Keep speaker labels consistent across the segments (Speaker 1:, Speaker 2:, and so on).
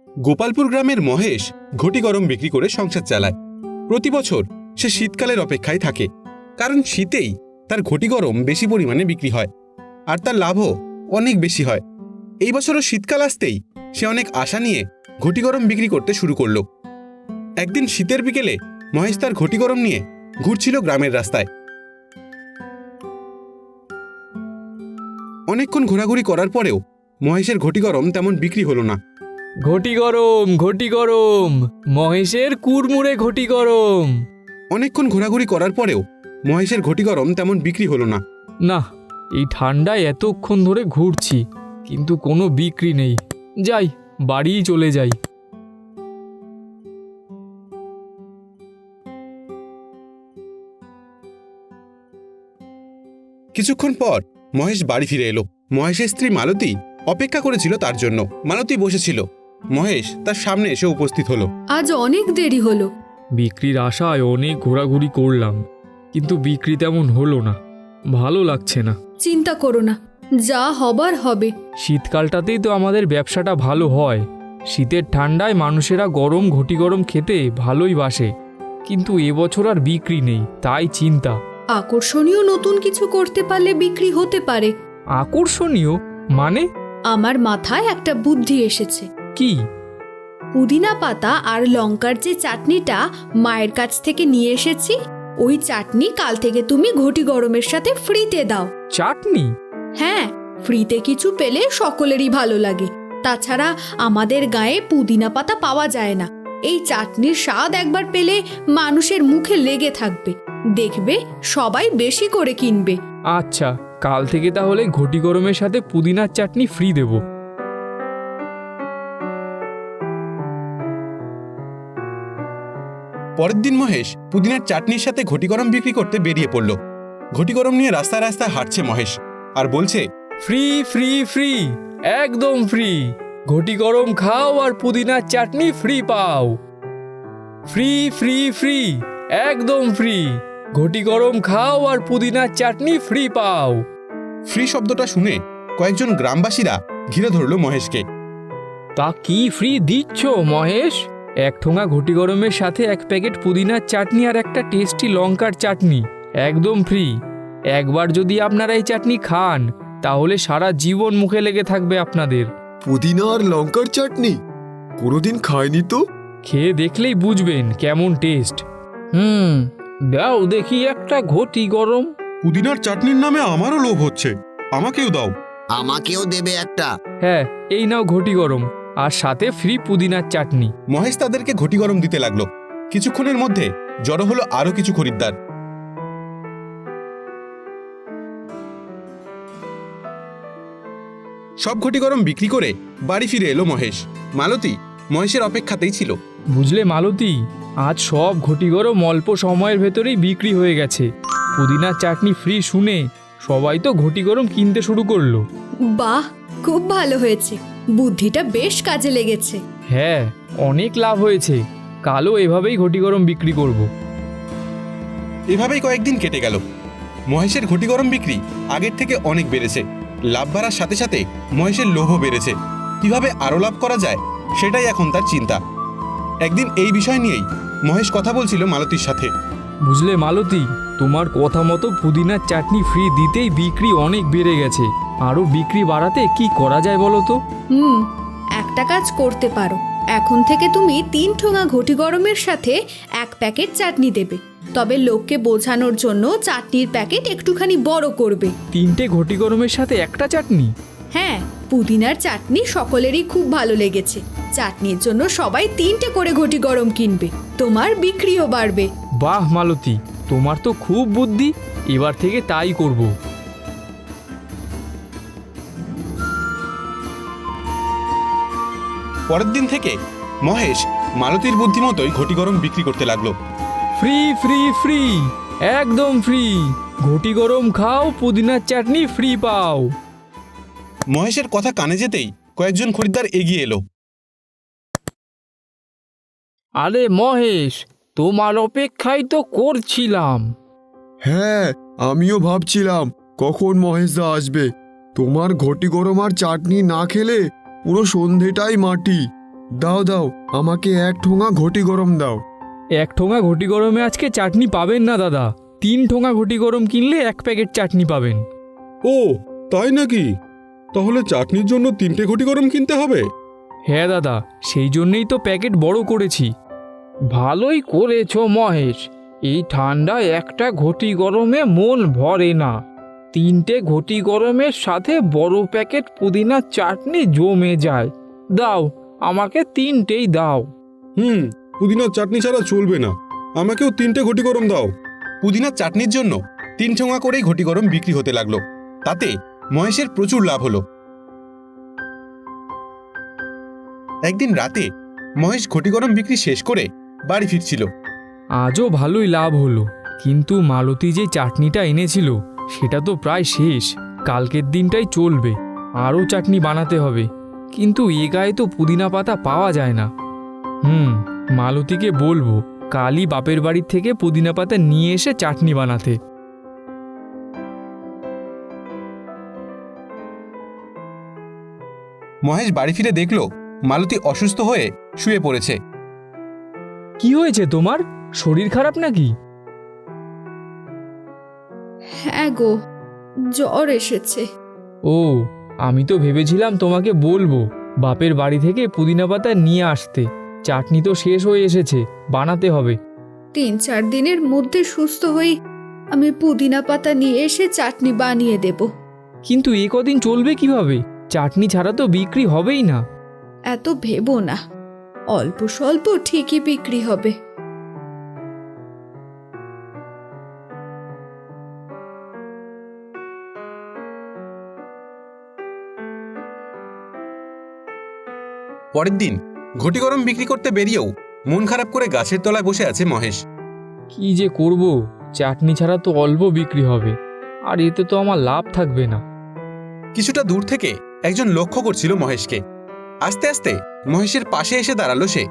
Speaker 1: গোপালপুর গ্রামের মহেশ ঘটি গরম বিক্রি করে সংসার চালায়। প্রতি বছর সে শীতকালের অপেক্ষায় থাকে, কারণ শীতেই তার ঘটি গরম বেশি পরিমাণে বিক্রি হয় আর তার লাভও অনেক বেশি হয়। এই বছরও শীতকাল আসতেই সে অনেক আশা নিয়ে ঘটি গরম বিক্রি করতে শুরু করলো। একদিন শীতের বিকেলে মহেশ তার ঘটি গরম নিয়ে ঘুরছিল গ্রামের রাস্তায়। অনেকক্ষণ ঘোরাঘুরি করার পরেও মহেশের ঘটি গরম তেমন বিক্রি হলো না।
Speaker 2: ঘটি গরম, মহেশের কুড়মুড়ে ঘটি গরম।
Speaker 1: অনেকক্ষণ ঘোরাঘুরি করার পরেও মহেশের ঘটি গরম তেমন বিক্রি হলো না।
Speaker 2: না, এই ঠান্ডায় এতক্ষণ ধরে ঘুরছি কিন্তু কোনো বিক্রি নেই। যাই, বাড়িই চলে যাই।
Speaker 1: কিছুক্ষণ পর মহেশ বাড়ি ফিরে এলো। মহেশের স্ত্রী মালতী অপেক্ষা করেছিল তার জন্য। মালতী বসেছিল, মহেশ তার সামনে এসে উপস্থিত হলো।
Speaker 3: আজ অনেক দেরি হলো।
Speaker 2: বিক্রির আশায় অনেক ঘোরাঘুরি করলাম, কিন্তু বিক্রি তেমন হলো না। ভালো লাগছে না।
Speaker 3: চিন্তা করো না, যা হবার হবে।
Speaker 2: শীতকালটাতেই তো আমাদের ব্যবসাটা ভালো হয়। শীতের ঠান্ডায় মানুষেরা গরম ঘটি গরম খেতে ভালোই বাসে, কিন্তু এবছর আর বিক্রি নেই, তাই চিন্তা।
Speaker 3: আকর্ষণীয় নতুন কিছু করতে পারলে বিক্রি হতে পারে।
Speaker 2: আকর্ষণীয় মানে?
Speaker 3: আমার মাথায় একটা বুদ্ধি এসেছে।
Speaker 2: কি?
Speaker 3: পুদিনা পাতা আর লঙ্কার যে চাটনিটা মায়ের কাছ থেকে নিয়ে এসেছি, ওই চাটনি কাল থেকে তুমি ঘটি গরমের সাথে ফ্রিতে দাও।
Speaker 2: চাটনি?
Speaker 3: হ্যাঁ, ফ্রিতে কিছু পেলে সকলেরই ভালো লাগে। তাছাড়া আমাদের গায়ে পুদিনা পাতা পাওয়া যায় না। এই চাটনির স্বাদ একবার পেলে মানুষের মুখে লেগে থাকবে। দেখবে সবাই বেশি করে কিনবে।
Speaker 2: আচ্ছা, কাল থেকে তাহলে ঘটি গরমের সাথে পুদিনার চাটনি ফ্রি দেব।
Speaker 1: পরের দিন মহেশ পুদিনার চাটনির সাথে ঘটি গরম বিক্রি করতে বেরিয়ে পড়ল। ঘটি গরম নিয়ে রাস্তায় রাস্তায় হাঁটছে মহেশ আর বলছে,
Speaker 2: ফ্রি ফ্রি ফ্রি, একদম ফ্রি। ঘটি গরম খাও আর পুদিনার চাটনি ফ্রি পাও। ফ্রি ফ্রি ফ্রি, একদম ফ্রি। ঘটি গরম খাও আর পুদিনার চাটনি ফ্রি পাও।
Speaker 1: ফ্রি শব্দটা শুনে কয়েকজন গ্রামবাসীরা ঘিরে ধরল মহেশকে।
Speaker 2: তা কি ফ্রি দিচ্ছ মহেশ? এক ঠোঙা ঘটি গরমের সাথে এক প্যাকেট পুদিনার চাটনি আর একটা টেস্টি লঙ্কার চাটনি, একদম ফ্রি। একবার যদি আপনারা এই চাটনি খান তাহলে সারা জীবন মুখে লেগে থাকবে আপনাদের।
Speaker 4: পুদিনা আর লঙ্কার চাটনি কোনোদিন খাইনি তো।
Speaker 2: খেয়ে দেখলেই বুঝবেন কেমন টেস্ট। দাও দেখি একটা ঘটি গরম।
Speaker 1: পুদিনার চাটনির নামে আমারও লোভ হচ্ছে, আমাকেও দাও।
Speaker 4: আমাকেও দেবে একটা।
Speaker 2: হ্যাঁ, এই নাও ঘটি গরম, আর সাথে ফ্রি পুদিনার চাটনি।
Speaker 1: মহেশ তাদেরকে ঘটি গরম দিতে লাগলো। কিছুক্ষণের মধ্যে জড়ো হলো আরো কিছু খরিদ্দার। সব ঘটি গরম বিক্রি করে বাড়ি ফিরে এলো মহেশ। মালতী মহেশের অপেক্ষাতেই ছিল।
Speaker 2: বুঝলে মালতী, আজ সব ঘটি গরম অল্প সময়ের ভেতরেই বিক্রি হয়ে গেছে। পুদিনার চাটনি ফ্রি শুনে সবাই তো ঘটি গরম কিনতে শুরু করলো।
Speaker 3: বাহ, খুব ভালো হয়েছে। বুদ্ধিটা বেশ কাজে লেগেছে।
Speaker 2: হ্যাঁ, অনেক লাভ হয়েছে। কালও এভাবেই ঘটি গরম বিক্রি করব।
Speaker 1: এভাবেই কয়েকদিন কেটে গেল। মহেশের ঘটি গরম বিক্রি আগের থেকে অনেক বেড়েছে। লাভ বাড়ার সাথে সাথে মহেশের লোভও বেড়েছে। কিভাবে আরো লাভ করা যায় সেটাই এখন তার চিন্তা। একদিন এই বিষয় নিয়েই মহেশ কথা বলছিল মালতীর সাথে।
Speaker 2: বুঝলে মালতী, তোমার কথা মতো পুদিনার চাটনি ফ্রি দিতেই বিক্রি অনেক বেড়ে গেছে। আরও বিক্রি বাড়াতে কি করা যায় বলো তো?
Speaker 3: একটা কাজ করতে পারো। এখন থেকে তুমি 3 ঠোঙা ঘটি গরমের সাথে 1 প্যাকেট চাটনি দেবে। তবে লোককে বোঝানোর জন্য চাটনির প্যাকেট একটুখানি বড় করবে।
Speaker 2: 3টে ঘটি গরমের সাথে একটা চাটনি?
Speaker 3: হ্যাঁ, পুদিনার চাটনি সকলেরই খুব ভালো লেগেছে। চাটনির জন্য সবাই 3টে করে ঘটি গরম কিনবে, তোমার বিক্রিও বাড়বে।
Speaker 2: বাহ মালতী, তোমার তো খুব বুদ্ধি। এবার থেকে তাই করব।
Speaker 1: পরের দিন থেকে মহেশ মালতীর বুদ্ধিমতোই ঘটি গরম বিক্রি করতে লাগলো।
Speaker 2: ফ্রি ফ্রি ফ্রি, একদম ফ্রি। ঘটি গরম খাও, পুদিনার চাটনি ফ্রি পাও।
Speaker 1: মহেশের কথা কানে যেতেই কয়েকজন খরিদ্দার এগিয়ে এলো।
Speaker 2: আরে মহেশ, তোমার অপেক্ষাই তো করছিলাম।
Speaker 4: হ্যাঁ, আমিও ভাবছিলাম কখন মহেশদা আসবে। তোমার ঘটি গরম আর চাটনি না খেলে পুরো সন্ধেটাই মাটি। দাও দাও, আমাকে 1 ঠোঙা ঘটি গরম দাও।
Speaker 2: 1 ঠোঙা ঘটি গরমে আজকে চাটনি পাবেন না দাদা, 3 ঠোঙা ঘটি গরম কিনলে 1 প্যাকেট চাটনি পাবেন।
Speaker 1: ও তাই নাকি? তাহলে চাটনির জন্য 3টে ঘটি গরম কিনতে হবে?
Speaker 2: হ্যাঁ দাদা, সেই জন্যেই তো প্যাকেট বড় করেছি। ভালোই করেছো মহেশ, এই ঠান্ডায় একটা ঘটি গরমে মন ভরে না। 3টে ঘটি গরমের সাথে বড় প্যাকেট পুদিনার চাটনি জমে যায়। দাও, আমাকে 3টেই দাও।
Speaker 1: পুদিনার চাটনি ছাড়া চলবে না, আমাকেও 3টে ঘটি গরম দাও। পুদিনার চাটনির জন্য 3 ঠোঙা করেই ঘটি গরম বিক্রি হতে লাগলো। তাতে মহেশের প্রচুর লাভ হলো। একদিন রাতে মহেশ ঘটি গরম বিক্রি শেষ করে বাড়ি ফিরছিল।
Speaker 2: আজও ভালোই লাভ হলো, কিন্তু মালতী যে চাটনিটা এনেছিল সেটা তো প্রায় শেষ। কালকের দিনটাই চলবে, আরও চাটনি বানাতে হবে, কিন্তু এ গায়ে তো পুদিনা পাতা পাওয়া যায় না। মালতীকে বলবো কালই বাপের বাড়ির থেকে পুদিনা পাতা নিয়ে এসে চাটনি বানাতে।
Speaker 1: মহেশ বাড়ি ফিরে দেখলো মালতী অসুস্থ হয়ে শুয়ে পড়েছে।
Speaker 2: কি হয়েছে তোমার? শরীর খারাপ নাকি?
Speaker 3: হ্যাঁ গো, জ্বর এসেছে।
Speaker 2: ও, আমি তো ভেবেছিলাম তোমাকে বলবো বাপের বাড়ি থেকে পুদিনা পাতা নিয়ে আসতে। চাটনি তো শেষ হয়ে এসেছে, বানাতে হবে।
Speaker 3: 3-4 দিনের মধ্যে সুস্থ হই আমি পুদিনা পাতা নিয়ে এসে চাটনি বানিয়ে দেব।
Speaker 2: কিন্তু এ কদিন চলবে কিভাবে? চাটনি ছাড়া তো বিক্রি হবেই না।
Speaker 3: এত ভেবো না, অল্প স্বল্প ঠিকই বিক্রি হবে।
Speaker 1: পরের দিন ঘটি গরম বিক্রি করতে বেরিয়েও মন খারাপ করে গাছের তলায় বসে আছে মহেশ।
Speaker 2: কি যে করব, চাটনি ছাড়া তো অল্প বিক্রি হবে, আর এতে তো আমার লাভ থাকবে না।
Speaker 1: কিছুটা দূর থেকে একজন লক্ষ্য করছিল মহেশকে। আস্তে আস্তে মহেশের পাশে এসে দাঁড়ালো সে।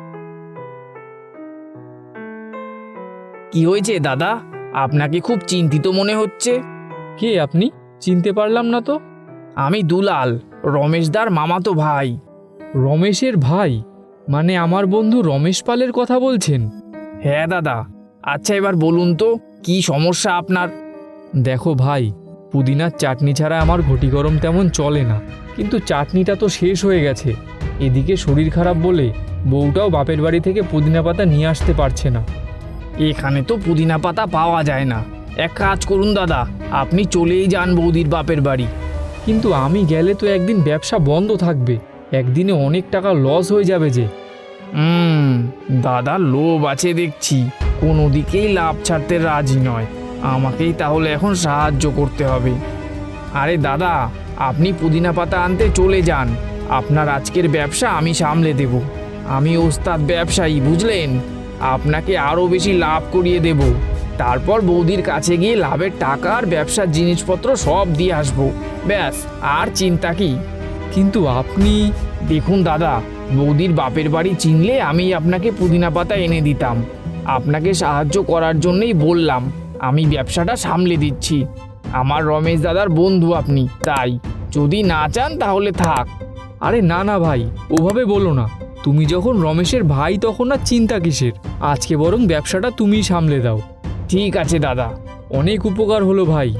Speaker 2: কি হয়েছে দাদা? আপনাকে খুব চিন্তিত মনে হচ্ছে। কে আপনি? চিনতে পারলাম না তো। আমি দুলাল, রমেশদার মামাতো ভাই। রমেশের ভাই? মানে আমার বন্ধু রমেশ পালের কথা বলছেন? হ্যাঁ দাদা। আচ্ছা এবার বলুন তো কি সমস্যা আপনার? দেখো ভাই, পুদিনার চাটনি ছাড়া আমার ঘটি গরম তেমন চলে না, কিন্তু চাটনিটা তো শেষ হয়ে গেছে। এদিকে শরীর খারাপ বলে বউটাও বাপের বাড়ি থেকে পুদিনা পাতা নিয়ে আসতে পারছে না। এখানে তো পুদিনা পাতা পাওয়া যায় না। এক কাজ করুন দাদা, আপনি চলেই যান বৌদির বাপের বাড়ি। কিন্তু আমি গেলে তো একদিন ব্যবসা বন্ধ থাকবে, একদিনে অনেক টাকা লস হয়ে যাবে যে। দাদা লোভ আছে দেখছি, কোনো দিকেই লাভ ছাড়তে রাজি নয়। আমাকেই তাহলে এখন সাহায্য করতে হবে। আরে দাদা, আপনি পুদিনা পাতা আনতে চলে যান, আপনার আজকের ব্যবসা আমি সামলে দেব। আমি ওস্তাদ ব্যবসায়ী, বুঝলেন? আপনাকে আরও বেশি লাভ করিয়ে দেব। তারপর বৌদির কাছে গিয়ে লাভের টাকা আর ব্যবসার জিনিসপত্র সব দিয়ে আসবো। ব্যাস, আর চিন্তা কি? কিন্তু আপনি দেখুন দাদা, বৌদির বাপের বাড়ি চিনলে আমি আপনাকে পুদিনা পাতা এনে দিতাম। আপনাকে সাহায্য করার জন্যই বললাম, আমি ব্যবসাটা সামলে দিচ্ছি। আমার রমেশ দাদার বন্ধু আপনি, তাই যদি না চান তাহলে থাক। আরে না না ভাই, ওভাবে বলো না। তুমি যখন রমেশের ভাই তখন আর চিন্তা কিসের? আজকে বরং ব্যবসাটা তুমিই সামলে দাও। ঠিক আছে দাদা, অনেক উপকার হলো ভাই।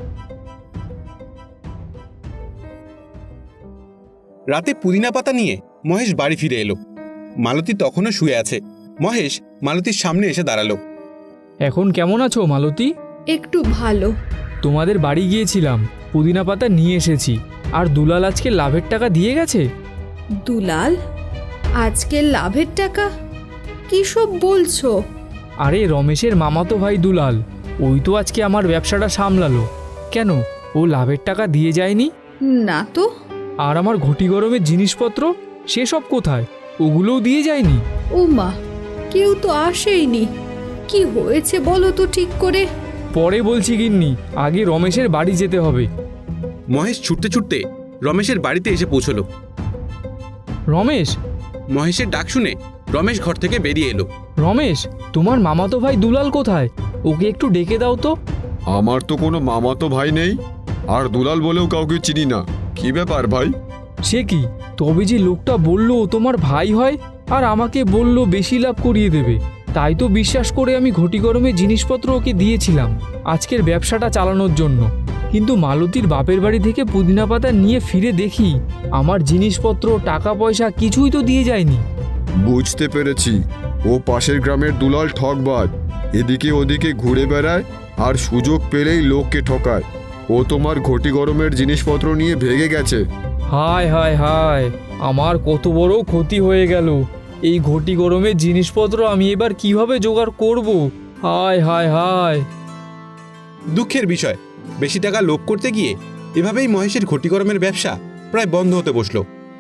Speaker 1: রাতে পুদিনা পাতা নিয়ে মহেশ বাড়ি ফিরে এলো। মালতী তখনও শুয়ে আছে। মহেশ মালতীর সামনে এসে দাঁড়ালো।
Speaker 2: এখন কেমন আছো মালতী?
Speaker 3: একটু ভালো।
Speaker 2: তোমাদের বাড়ি গিয়েছিলাম, পুদিনা পাতা নিয়ে এসেছি। আর দুলাল আজকে লাভের টাকা দিয়ে গেছে।
Speaker 3: দুলাল আজকের লাভের টাকা? কি সব বলছো?
Speaker 2: আরে রমেশের মামাতো ভাই দুলাল, ওই তো আজকে আমার ব্যবসাটা সামলালো। কেন, ও লাভের টাকা দিয়ে যায়নি?
Speaker 3: না তো।
Speaker 2: আর আমার ঘটি গরমের জিনিসপত্র সেসব কোথায়? ওগুলোও দিয়ে যায়নি?
Speaker 3: ও মা, কেউ তো আসেইনি। কি হয়েছে বলো তো ঠিক করে।
Speaker 2: পরে বলছি গিন্নি, আগে রমেশের বাড়ি যেতে হবে।
Speaker 1: মহেশ ছুটতে ছুটতে রমেশের বাড়িতে এসে পৌঁছলো।
Speaker 2: রমেশ!
Speaker 1: মহেশের ডাক শুনে রমেশ ঘর থেকে বেরিয়ে এলো।
Speaker 2: রমেশ, তোমার মামাতো ভাই দুলাল কোথায়? ওকে একটু ডেকে দাও তো।
Speaker 4: আমার তো কোনো মামাতো ভাই নেই, আর দুলাল বলেও কাউকে চিনি না। কি ব্যাপার ভাই?
Speaker 2: সে কি, তবে যে লোকটা বলল ও তোমার ভাই হয় আর আমাকে বলল বেশি লাভ করিয়ে দেবে, তাই তো বিশ্বাস করে আমি ঘটি গরমে জিনিসপত্র ওকে দিয়েছিলাম আজকের ব্যবসাটা চালানোর জন্য। কিন্তু মালতীর বাপের বাড়ি থেকে পুদিনা পাতা নিয়ে ফিরে দেখি আমার জিনিসপত্র টাকা পয়সা কিছুই তো দিয়ে যায়নি।
Speaker 4: বুঝতে পেরেছি, ও পাশের গ্রামের দুলাল ঠকবাজ, এদিকে ওদিকে ঘুরে বেড়ায় আর সুযোগ পেলেই লোককে ঠকায়। ও তোমার ঘটি গরমের জিনিসপত্র নিয়ে ভেগে গেছে।
Speaker 2: হায় হায় হায়, আমার কত বড় ক্ষতি হয়ে গেল। এই ঘটি গরমের জিনিসপত্র আমি এবার কিভাবে জোগাড় করব? হায় হায় হায়।
Speaker 1: দুঃখের বিষয়, বেশি টাকা লোভ করতে গিয়ে এভাবেই মহেশের ঘটি গরমের ব্যবসা প্রায় বন্ধ হতে বসল।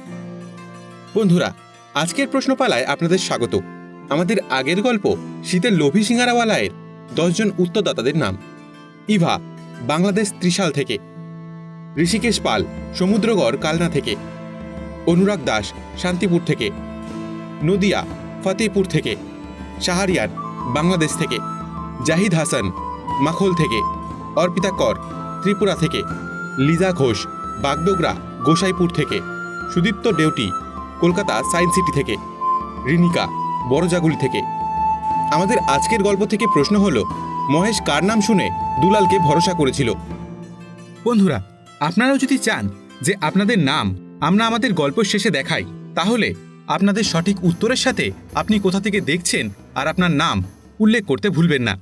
Speaker 1: বন্ধুরা, আজকের প্রশ্নপালায় আপনাদের স্বাগত। আমাদের আগের গল্প শীতের লোভী সিঙ্গারাওয়ালায়ের 10 জন উত্তরদাতাদের নাম। ইভা, বাংলাদেশ ত্রিশাল থেকে। ঋষিকেশ পাল, সমুদ্রগড় কালনা থেকে। অনুরাগ দাস, শান্তিপুর থেকে। নদিয়া, ফতেপুর থেকে। শাহরিয়ার, বাংলাদেশ থেকে। জাহিদ হাসান, মাখোল থেকে। অর্পিতা কর, ত্রিপুরা থেকে। লিজা ঘোষ, বাগডোগরা, গোসাইপুর থেকে। সুদীপ্ত ডেউটি, কলকাতা সায়েন্স সিটি থেকে। রিনিকা, বড়জাগুলি থেকে। আমাদের আজকের গল্প থেকে প্রশ্ন হলো, মহেশ কার নাম শুনে দুলালকে ভরসা করেছিল? বন্ধুরা, আপনারাও যদি চান যে আপনাদের নাম আমরা আমাদের গল্প শেষে দেখাই, তাহলে আপনাদের সঠিক উত্তরের সাথে আপনি কোথা থেকে দেখছেন আর আপনার নাম উল্লেখ করতে ভুলবেন না।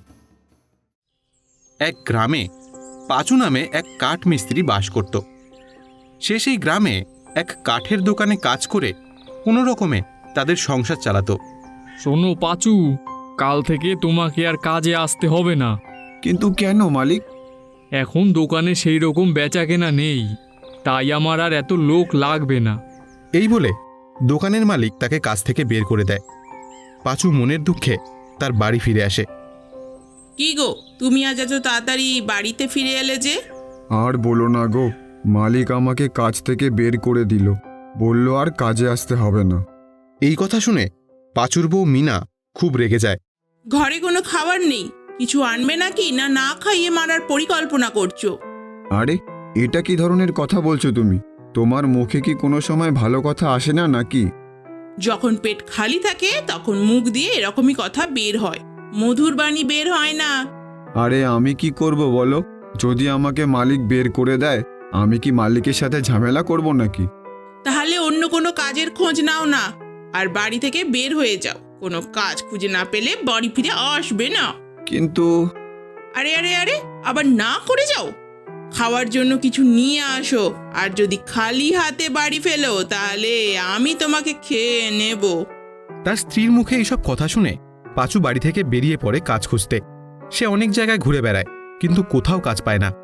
Speaker 1: এক গ্রামে পাঁচু নামে এক কাঠ মিস্ত্রি বাস করত। সে সেই গ্রামে এক কাঠের দোকানে কাজ করে কোনো রকমে তাদের সংসার চালাতো।
Speaker 2: শোনো পাঁচু, কাল থেকে তোমাকে আর কাজে আসতে হবে না।
Speaker 4: কিন্তু কেন মালিক?
Speaker 2: এখন দোকানে সেই রকম বেচা কেনা নেই, তাই আমার আর এত লোক লাগবে না।
Speaker 1: এই বলে দোকানের মালিক তাকে কাজ থেকে বের করে দেয়। পাঁচু মনের দুঃখে তার বাড়ি ফিরে আসে।
Speaker 5: কি গো, তুমি আজ এত তাড়াতাড়ি বাড়িতে ফিরে এলে যে?
Speaker 4: আর বলো না গো, মালিক আমাকে কাজ থেকে বের করে দিল, বলল আর কাজে আসতে হবে না।
Speaker 1: এই কথা শুনে পাঁচুর বউ মিনা খুব রেগে যায়।
Speaker 5: ঘরে কোনো খাবার নেই, কিছু আনবে নাকি, না না খাইয়ে মারার পরিকল্পনা করছো?
Speaker 4: আরে, এটা কি ধরনের কথা বলছো তুমি? তোমার মুখে কি কোনো সময় ভালো কথা আসে না নাকি?
Speaker 5: যখন পেট খালি থাকে তখন মুখ দিয়ে এরকমই কথা বের হয়, মধুর বাণী বের হয় না।
Speaker 4: আরে আমি কি করব বলো? যদি আমাকে মালিক বের করে দেয়, আমি কি মালিকের সাথে ঝামেলা করব নাকি?
Speaker 5: তাহলে অন্য কোনো কাজের খোঁজ নাও না, আর বাড়ি থেকে বের হয়ে যাও। কোনো কাজ খুঁজে না পেলে বাড়ি ফিরে আসবে না।
Speaker 4: কিন্তু
Speaker 5: আরে আরে আরে, আবার না করে যাও। খাওয়ার জন্য কিছু নিয়ে আসো, আর যদি খালি হাতে বাড়ি ফেলো তাহলে আমি তোমাকে খেয়ে নেব।
Speaker 1: তার স্ত্রীর মুখে এইসব কথা শুনে পাঁচু বাড়ি থেকে বেরিয়ে পড়ে কাজ খুঁজতে। সে অনেক জায়গায় ঘুরে বেড়ায়, কিন্তু কোথাও কাজ পায় না।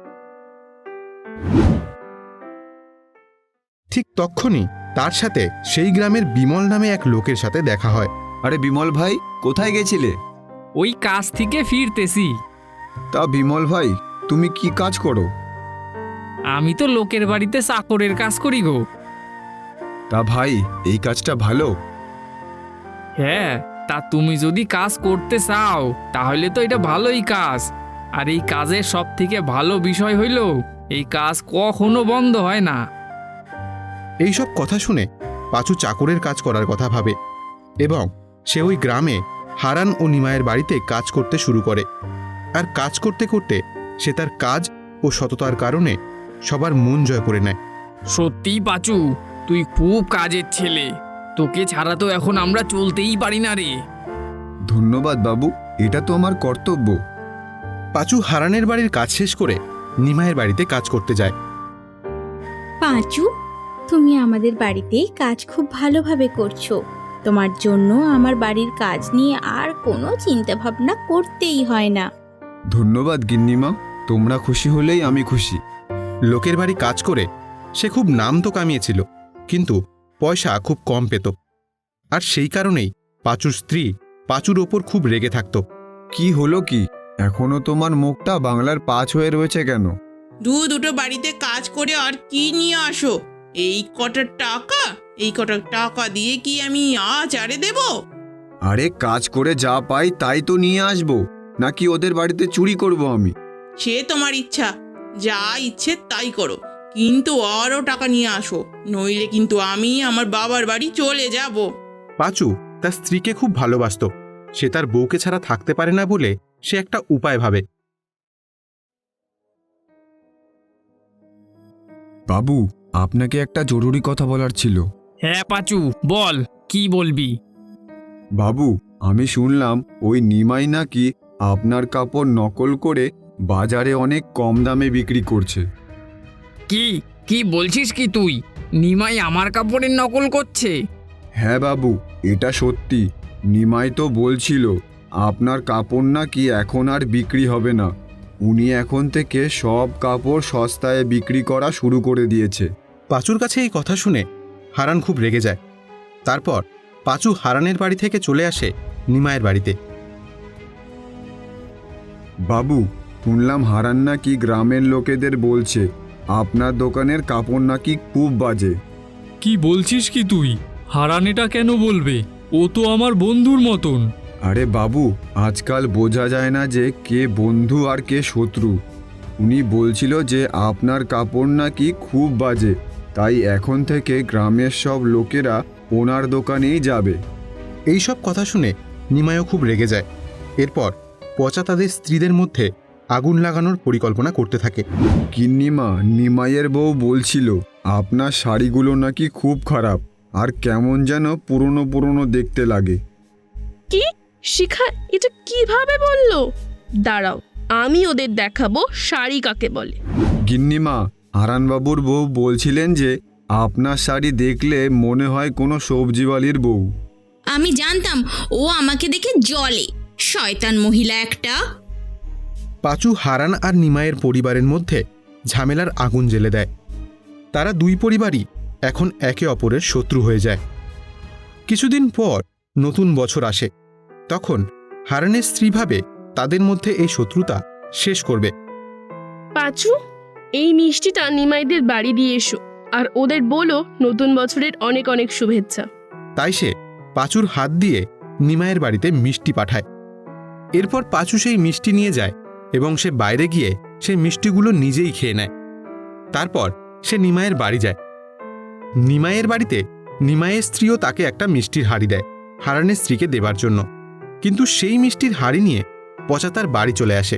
Speaker 1: ঠিক তক্ষুনি তার সাথে সেই গ্রামের বিমল নামে এক লোকের সাথে দেখা হয়।
Speaker 4: আরে বিমল ভাই, কোথায় গেছিলে?
Speaker 2: ওই কাজ থেকে ফিরতেছি।
Speaker 4: তা বিমল ভাই, তুমি কি কাজ করো?
Speaker 2: আমি তো লোকের বাড়িতে চাকরের কাজ করি গো।
Speaker 4: তা ভাই, এই কাজটা ভালো?
Speaker 2: হ্যাঁ, তা তুমি যদি কাজ করতে চাও তাহলে তো এটা ভালোই কাজ। আর এই কাজের সব থেকে ভালো বিষয় হইল এই কাজ কখনো বন্ধ হয় না।
Speaker 1: এইসব কথা শুনে পাঁচু চাকরের কাজ করার কথা ভাবে এবং সে ওই গ্রামে হারান ও নিমায়ের বাড়িতে কাজ করতে শুরু করে। আর কাজ করতে করতে সে তার কাজ ও সততার কারণে সবার মন জয় করে নেয়।
Speaker 2: সত্যিই পাঁচু, তুই খুব কাজের ছেলে। তোকে ছাড়া তো এখন আমরা চলতেই পারি না রে।
Speaker 4: ধন্যবাদ বাবু, এটা তো আমার কর্তব্য।
Speaker 1: পাঁচু হারানের বাড়ির কাজ শেষ করে নিমায়ের বাড়িতে কাজ করতে যায়।
Speaker 6: পাঁচু, তুমি আমাদের বাড়িতে কাজ খুব ভালোভাবে করছো। তোমার জন্য আমার বাড়ির কাজ নিয়ে আর কোনো চিন্তা ভাবনা করতেই হয় না।
Speaker 4: ধন্যবাদ গিন্নিমা, তোমরা খুশি হলেই আমি খুশি।
Speaker 1: লোকের বাড়ি কাজ করে সে খুব নাম তো কামিয়েছিল, কিন্তু পয়সা খুব কম পেত। আর সেই কারণেই পাঁচুর স্ত্রী পাঁচুর ওপর খুব রেগে থাকত।
Speaker 4: কি হলো কি? এখনো তোমার মুখটা বাংলার 5 হয়ে রয়েছে কেন?
Speaker 5: দুটো বাড়িতে কাজ করে আর কি নিয়ে আসো? এই কটা টাকা দিয়ে কি আমি আচারে দেব?
Speaker 4: আরে কাজ করে যা পাই তাই তো নিয়ে আসবো, নাকি ওদের বাড়িতে চুরি করব আমি?
Speaker 5: সে তোমার ইচ্ছা, যা ইচ্ছে তাই করো, কিন্তু আরও টাকা নিয়ে আসো, নইলে কিন্তু আমি আমার বাবার বাড়ি চলে যাব।
Speaker 1: পাঁচু তার স্ত্রীকে খুব ভালোবাসতো। সে তার বউকে ছাড়া থাকতে পারে না বলে সে একটা উপায় ভাবে।
Speaker 4: বাবু, আপনাকে একটা জরুরি কথা বলার ছিল।
Speaker 2: হ্যাঁ পাঁচু, বল কি বলবি।
Speaker 4: বাবু, আমি শুনলাম ওই নিমাই নাকি আপনার কাপড় নকল করে বাজারে অনেক কম দামে বিক্রি করছে।
Speaker 2: কি কি বলছিস কি তুই? নিমাই আমার কাপড়ের নকল করছে?
Speaker 4: হ্যাঁ বাবু, এটা সত্যি। নিমাই তো বলছিল আপনার কাপড় নাকি এখন আর বিক্রি হবে না। উনি এখন থেকে সব কাপড় সস্তায় বিক্রি করা শুরু করে দিয়েছে।
Speaker 1: পাঁচুর কাছে এই কথা শুনে হারান খুব রেগে যায়। তারপর পাঁচু হারানের বাড়ি থেকে চলে আসে নিমাইয়ের বাড়িতে।
Speaker 4: বাবু, শুনলাম হারান নাকি গ্রামের লোকেদের বলছে আপনার দোকানের কাপড় নাকি খুব বাজে।
Speaker 2: কি বলছিস কি তুই? হারান এটা কেন বলবে? ও তো আমার বন্ধুর মতন।
Speaker 4: আরে বাবু, আজকাল বোঝা যায় না যে কে বন্ধু আর কে শত্রু। উনি বলছিল যে আপনার কাপড় নাকি খুব বাজে, তাই এখন থেকে গ্রামের সব লোকেরা ওনার দোকানেই যাবে।
Speaker 1: এই সব কথা শুনে নিমাইও খুব রেগে যায়। এরপর পচা তাদের স্ত্রীদের মধ্যে আগুন লাগানোর পরিকল্পনা করতে থাকে।
Speaker 4: গিন্নিমা, নিমাইয়ের বউ বলছিল আপনার শাড়িগুলো নাকি খুব খারাপ আর কেমন যেন পুরনো পুরনো দেখতে লাগে।
Speaker 7: কি? শিখা এটা কিভাবে বললো? দাঁড়াও, আমি ওদের দেখাবো শাড়ি কাকে বলে।
Speaker 4: গিন্নিমা, হারানবাবুর বউ বলছিলেন যে আপনার শাড়ি দেখলে মনে হয় কোনো সবজিওয়ালির বউ।
Speaker 6: আমি জানতাম ও আমাকে দেখে জলে, শয়তান মহিলা একটা।
Speaker 1: পাঁচু হারান আর নিমাইয়ের পরিবারের মধ্যে ঝামেলার আগুন জ্বেলে দেয়। তারা দুই পরিবারই এখন একে অপরের শত্রু হয়ে যায়। কিছুদিন পর নতুন বছর আসে। তখন হারানের স্ত্রী ভাবে তাদের মধ্যে এই শত্রুতা শেষ করবে।
Speaker 7: পাঁচু, এই মিষ্টিটা নিমাইদের বাড়ি দিয়ে এসো আর ওদের বলো নতুন বছরের অনেক অনেক শুভেচ্ছা।
Speaker 1: তাই সে পাঁচুর হাত দিয়ে নিমাইয়ের বাড়িতে মিষ্টি পাঠায়। এরপর পাঁচু সেই মিষ্টি নিয়ে যায় এবং সে বাইরে গিয়ে সেই মিষ্টিগুলো নিজেই খেয়ে নেয়। তারপর সে নিমাইয়ের বাড়ি যায়। নিমাইয়ের বাড়িতে নিমাইয়ের স্ত্রীও তাকে একটা মিষ্টির হাঁড়ি দেয় হারানের স্ত্রীকে দেবার জন্য। কিন্তু সেই মিষ্টির হাঁড়ি নিয়ে পচা তার বাড়ি চলে আসে।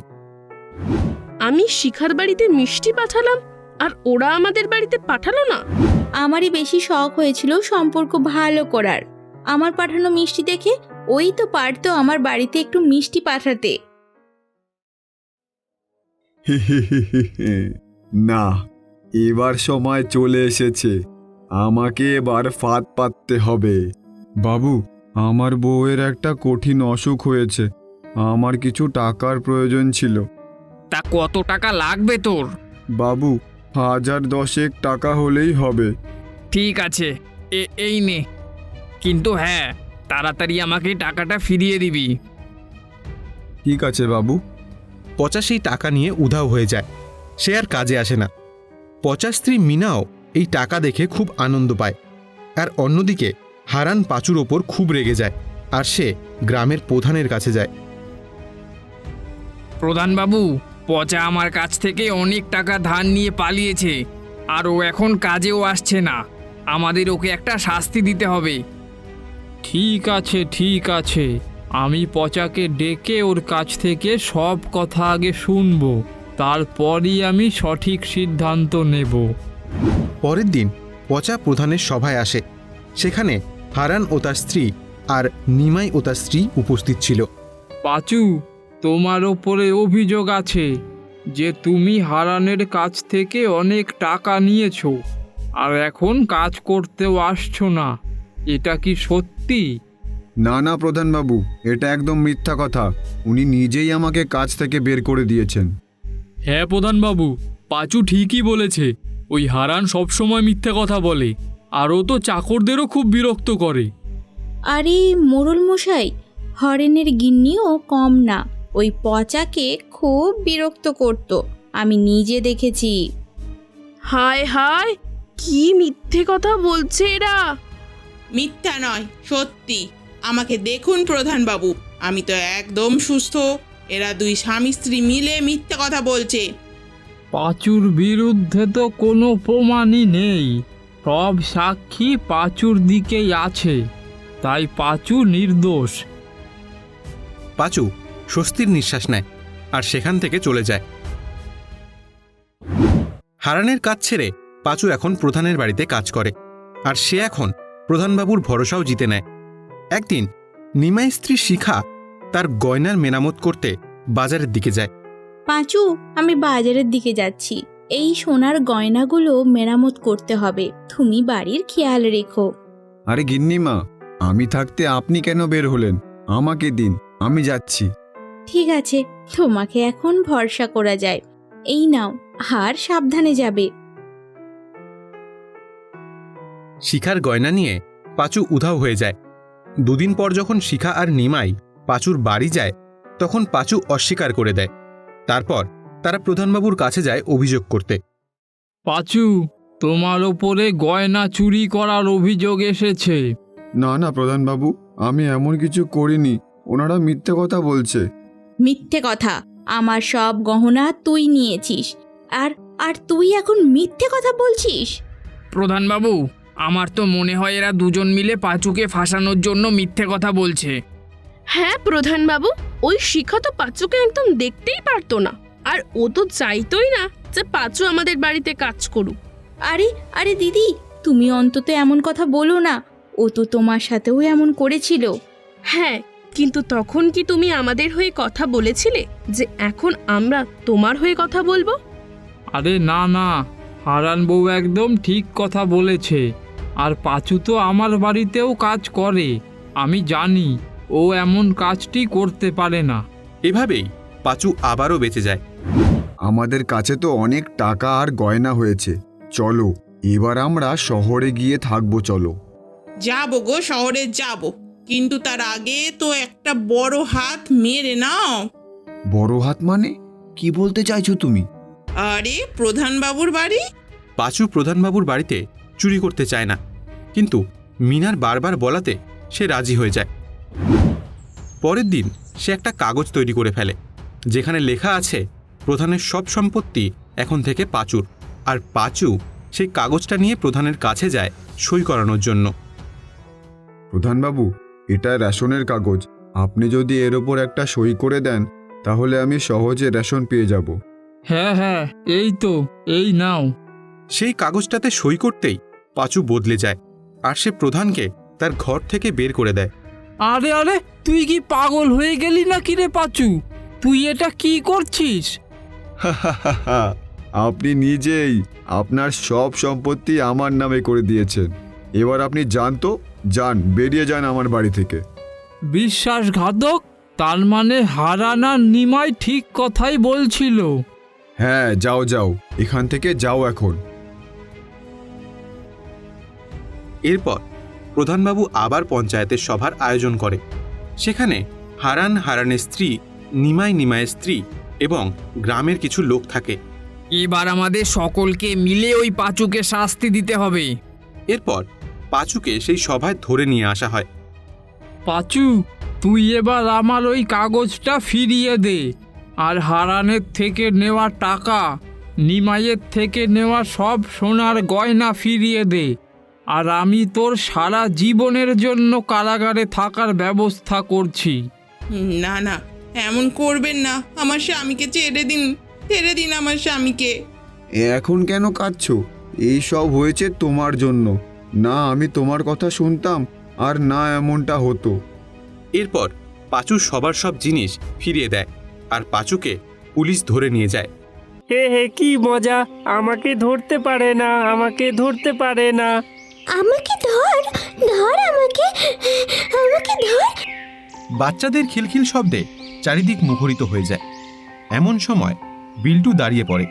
Speaker 7: আমি শিখার বাড়িতে মিষ্টি পাঠালাম আর ওরা আমাদের বাড়িতে পাঠালো না।
Speaker 6: আমারই বেশি শখ হয়েছিল সম্পর্ক ভালো করার। আমার পাঠানো মিষ্টি দেখে ওই তো পারতো আমার বাড়িতে একটু মিষ্টি পাঠাতে।
Speaker 4: না, এবার সময় চলে এসেছে। আমাকে এবার ফাঁদ পাততে হবে। বাবু, আমার বউয়ের একটা কঠিন অসুখ হয়েছে। আমার কিছু টাকার প্রয়োজন ছিল।
Speaker 2: তা কত টাকা লাগবে তোর?
Speaker 4: বাবু, 1010 টাকা হলেই হবে।
Speaker 2: ঠিক আছে, এই নে। কিন্তু হ্যাঁ, তাড়াতাড়ি আমাকে টাকাটা ফিরিয়ে দিবি।
Speaker 4: ঠিক আছে বাবু।
Speaker 1: পচা সেই টাকা নিয়ে উধাও হয়ে যায়। সে আর কাজে আসে না। পচা স্ত্রী মিনাও এই টাকা দেখে খুব আনন্দ পায়। আর অন্যদিকে হারান পাঁচুর ওপর খুব রেগে যায় আর সে গ্রামের প্রধানের কাছে যায়।
Speaker 2: প্রধানবাবু, পচা আমার কাছ থেকে অনেক টাকা ধার নিয়ে পালিয়েছে আর ও এখন কাজেও আসছে না। আমাদের ওকে একটা শাস্তি দিতে হবে। ঠিক আছে ঠিক আছে, আমি পচাকে ডেকে ওর কাছ থেকে সব কথা আগে শুনবো, তারপরই আমি সঠিক সিদ্ধান্ত নেব।
Speaker 1: পরের দিন পচা প্রধানের সভায় আসে। সেখানে হারান ও তার স্ত্রী আর নিমাই ও তার স্ত্রী উপস্থিত ছিল।
Speaker 2: পাঁচু, তোমার ওপরে অভিযোগ আছে যে তুমি হারানের কাছ থেকে অনেক টাকা নিয়েছো আর এখন কাজ করতেও আসছো না। এটা কি সত্যি?
Speaker 4: না না প্রধানবাবু, এটা একদম মিথ্যা কথা। উনি নিজেই আমাকে কাজ থেকে বের করে দিয়েছেন।
Speaker 2: হ্যাঁ প্রধানবাবু, পাঁচু ঠিকই বলেছে। ওই হারান সবসময় মিথ্যে কথা বলে আর ও তো চাকরদেরও খুব বিরক্ত করে।
Speaker 6: আরে মোড়ল মশাই, হরেনের গিন্নিও কম না। ওই পচাকে খুব বিরক্ত করত, আমি নিজে দেখেছি।
Speaker 7: হায় হায়, কি মিথ্যে কথা বলছে এরা।
Speaker 5: মিথ্যা নয়, সত্যি। আমাকে দেখুন প্রধানবাবু, আমি তো একদম সুস্থ। এরা দুই স্বামী স্ত্রী মিলে মিথ্যা কথা বলছে।
Speaker 2: পাঁচুর বিরুদ্ধে তো কোনো প্রমাণই নেই, সব সাক্ষী পাঁচুর দিকেই আছে, তাই পাঁচু নির্দোষ।
Speaker 1: পাঁচু স্বস্তির নিঃশ্বাস নেয় আর সেখান থেকে চলে যায়। হারানের কাজ ছেড়ে পাঁচু এখন প্রধানের বাড়িতে কাজ করে, আর সে এখন প্রধানবাবুর ভরসাও জিতে নেয়। একদিন নিমাই স্ত্রী শিখা তার গয়নার মেরামত করতে বাজারের দিকে যায়।
Speaker 6: পাঁচু, আমি বাজারের দিকে যাচ্ছি, এই সোনার গয়নাগুলো মেরামত করতে হবে, তুমি বাড়ির খেয়াল রেখো।
Speaker 4: আরে গিন্নিমা, আমি থাকতে আপনি কেন বের হলেন? আমাকে দিন, আমি যাচ্ছি।
Speaker 6: ঠিক আছে, তোমাকে এখন ভরসা করা যায়, এই নাও, আর সাবধানে যাবে।
Speaker 1: শিখার গয়না নিয়ে পাঁচু উধাও হয়ে যায়। দুদিন পর যখন শিখা আর নিমাই পাঁচুর বাড়ি যায়, তখন পাঁচু অস্বীকার করে দেয়। তারপর তারা প্রধানবাবুর কাছে যায় অভিযোগ করতে।
Speaker 2: পাঁচু, তোমার ওপরে গয়না চুরি করার অভিযোগ এসেছে।
Speaker 4: না না প্রধানবাবু, আমি এমন কিছু করিনি, ওনারা মিথ্যে কথা বলছে।
Speaker 6: মিথ্যে কথা? আমার সব গহনা তুই নিয়েছিস, আর আর তুই এখন মিথ্যে কথা বলছিস?
Speaker 2: প্রধানবাবু, আমার তো মনে হয় এরা দুজন মিলে পাঁচুকে ফাঁসানোর জন্য মিথ্যে কথা বলছে।
Speaker 7: হ্যাঁ প্রধানবাবু, ওই শিখা তো পাঁচুকে একদম দেখতেই পারতো না, আর ও তো চাইতোই না যে পাঁচু আমাদের বাড়িতে কাজ করুক।
Speaker 6: আরে আরে দিদি, তুমি অন্তত এমন কথা বলো না, ও তো তোমার সাথেও এমন করেছিল।
Speaker 7: হ্যাঁ, কিন্তু তখন কি তুমি আমাদের হয়ে কথা বলেছিলে যে এখন আমরা তোমার হয়ে কথা বলবো?
Speaker 2: আরে না না, হারান বউ একদম ঠিক কথা বলেছে। আর পাঁচু তো আমার বাড়িতেও কাজ করে, আমি জানি ও এমন কাজটি করতে পারে না।
Speaker 1: এভাবেই পাঁচু আবারও বেঁচে যায়।
Speaker 4: আমাদের কাছে তো অনেক টাকা আর গয়না হয়েছে, চলো এবার আমরা শহরে গিয়ে থাকবো। চলো।
Speaker 5: যাবো গো, শহরে যাব, কিন্তু তার আগে তো একটা বড় হাত মেরে নাও।
Speaker 4: বড় হাত মানে কি বলতে চাইছো তুমি?
Speaker 5: আরে প্রধানবাবুর বাড়ি।
Speaker 1: পাঁচু প্রধানবাবুর বাড়িতে চুরি করতে চায় না, কিন্তু মিনার বারবার বলাতে সে রাজি হয়ে যায়। পরের দিন সে একটা কাগজ তৈরি করে ফেলে, যেখানে লেখা আছে প্রধানের সব সম্পত্তি এখন থেকে পাঁচুর, আর পাঁচু সেই কাগজটা নিয়ে প্রধানের কাছে যায় সই করানোর জন্য।
Speaker 4: প্রধানবাবু, এটা রেশনের কাগজ, আপনি যদি এর ওপর একটা সই করে দেন তাহলে আমি সহজে রেশন পেয়ে যাব।
Speaker 2: হ্যাঁ হ্যাঁ, এই তো, এই নাও।
Speaker 1: সেই কাগজটাতে সই করতেই পাঁচু বদলে যায়, আর সে প্রধানকে তার ঘর থেকে বের করে দেয়।
Speaker 2: আরে আরে, তুই কি পাগল হয়ে গেলি নাকি রে পাঁচু? তুই এটা কি করছিস?
Speaker 4: আপনি নিজেই আপনার সব সম্পত্তি আমার নামে করে দিয়েছেন, এবার আপনি যান তো, যান, বেরিয়ে যান আমার বাড়ি থেকে।
Speaker 2: বিশ্বাসঘাতক! তার মানে হারান আর নিমাই ঠিক কথাই বলছিল।
Speaker 4: হ্যাঁ, যাও যাও, এখান থেকে যাও এখন।
Speaker 1: এরপর প্রধানবাবু আবার পঞ্চায়েতের সভার আয়োজন করে। সেখানে হারানের স্ত্রী, নিমাইয়ের স্ত্রী এবং গ্রামের কিছু লোক থাকে।
Speaker 2: এবার আমাদের সকলকে মিলে ওই পাঁচুকে শাস্তি দিতে হবে।
Speaker 1: এরপর পাঁচুকে সেই সভায় ধরে নিয়ে আসা হয়।
Speaker 2: পাঁচু, তুই এবার আমার ওই কাগজটা ফিরিয়ে দে, আর হারানের থেকে নেওয়া টাকা, নিমাইয়ের থেকে নেওয়া সব সোনার গয়না ফিরিয়ে দে, আর আমি তোর সারা জীবনের জন্য কারাগারে থাকার ব্যবস্থা করছি।
Speaker 5: না না, এমন করবেন না, আমার স্বামীকে ছেড়ে দিন, ছেড়ে দিন আমার স্বামীকে।
Speaker 4: এখন কেন কাঁদছো? এই সব হয়েছে তোমার জন্য, না আমি তোমার কথা শুনতাম আর না এমনটা হতো।
Speaker 1: এরপর পাঁচু সবার সব জিনিস ফিরিয়ে দেয়, আর পাঁচুকে পুলিশ ধরে নিয়ে যায়।
Speaker 8: হে হে, কি মজা! আমাকে ধরতে পারে না, আমাকে ধরতে পারে না।
Speaker 6: আমাকে ধর, ধর আমাকে, আমাকে ধর।
Speaker 1: বাচ্চাদের খিলখিল শব্দে চারিদিক মুখরিত হয়ে যায়। এমন সময় বিল্টু দাঁড়িয়ে পড়ে।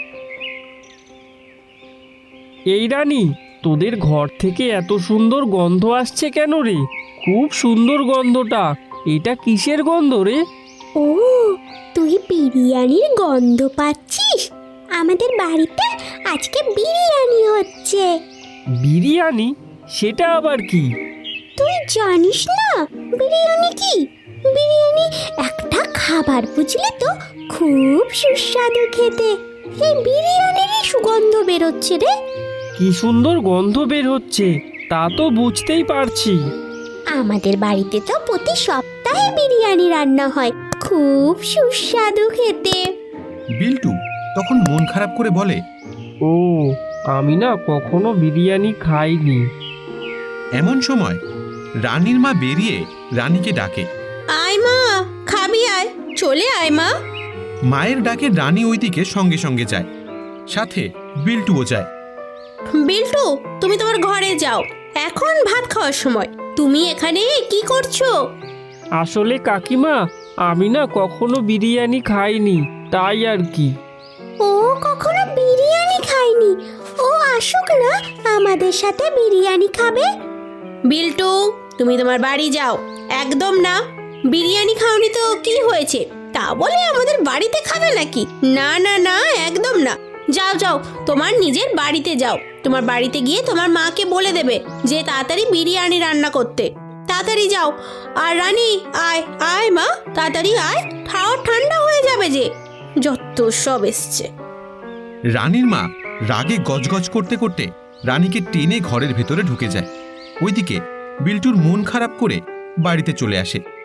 Speaker 8: এই রানী, তোদের ঘর থেকে এত সুন্দর গন্ধ আসছে কেন রে? খুব সুন্দর গন্ধটা, এটা কিসের গন্ধ রে?
Speaker 9: ও, তুই বিরিয়ানির গন্ধ পাচ্ছিস? আমাদের বাড়িতে আজকে বিরিয়ানি হচ্ছে।
Speaker 8: বিরিয়ানি? সেটা আবার কি?
Speaker 9: তুই জানিস না বিরিয়ানি কি? বিরিয়ানি একটা খাবার, বুঝলি তো, খুব সুস্বাদু খেতে। সেই বিরিয়ানিরই সুগন্ধ বেরোচ্ছে রে।
Speaker 8: কি সুন্দর গন্ধ বের হচ্ছে, তা তো বুঝতেই পারছি।
Speaker 9: আমাদের বাড়িতে তো প্রতি সপ্তাহে বিরিয়ানি রান্না হয়, খুব সুস্বাদু খেতে।
Speaker 1: বিল্টু তখন মন খারাপ করে বলে,
Speaker 8: ও, আমি না কখনো বিরিয়ানি খাইনি।
Speaker 1: এমন সময় রানীর মা বেরিয়ে রানীকে ডাকে।
Speaker 6: আয় মা, খাবি আয়, চলে আয় মা।
Speaker 1: মায়ের ডাকে রানী ওইদিকে সঙ্গে সঙ্গে যায়, সাথে বিল্টুও যায়।
Speaker 6: বিল্টু, তুমি তোমার ঘরে যাও, এখন ভাত খাওয়ার সময়। তুমি এখানে কি করছো?
Speaker 8: আসলে কাকিমা, আমি না কখনো বিরিয়ানি খাইনি, তাই আর কি।
Speaker 9: ও কখনো বিরিয়ানি খায়নি, ও আসুক না আমাদের সাথে বিরিয়ানি খাবে।
Speaker 6: বিল্টু, তুমি তোমার বাড়ি যাও। একদম না, বিরিয়ানি খাওনি তো কি হয়েছে, তা বলে আমাদের বাড়িতে খাবে নাকি? না না না, একদম না। যাও যাও, তোমার নিজের বাড়িতে যাও। তোমার বাড়িতে গিয়ে তোমার মাকে বলে দেবে যে তাড়াতাড়ি বিরিয়ানি রান্না করতে। তাড়াতাড়ি যাও। আর রানী, আয় আয় মা, তাড়াতাড়ি আয়, খাওয়া ঠান্ডা হয়ে যাবে যে। যত সব এসছে।
Speaker 1: রানীর মা রাগে গজগজ করতে করতে রানীকে টেনে ঘরের ভেতরে ঢুকে যায়। ওইদিকে বিল্টুর মন খারাপ করে বাড়িতে চলে আসে।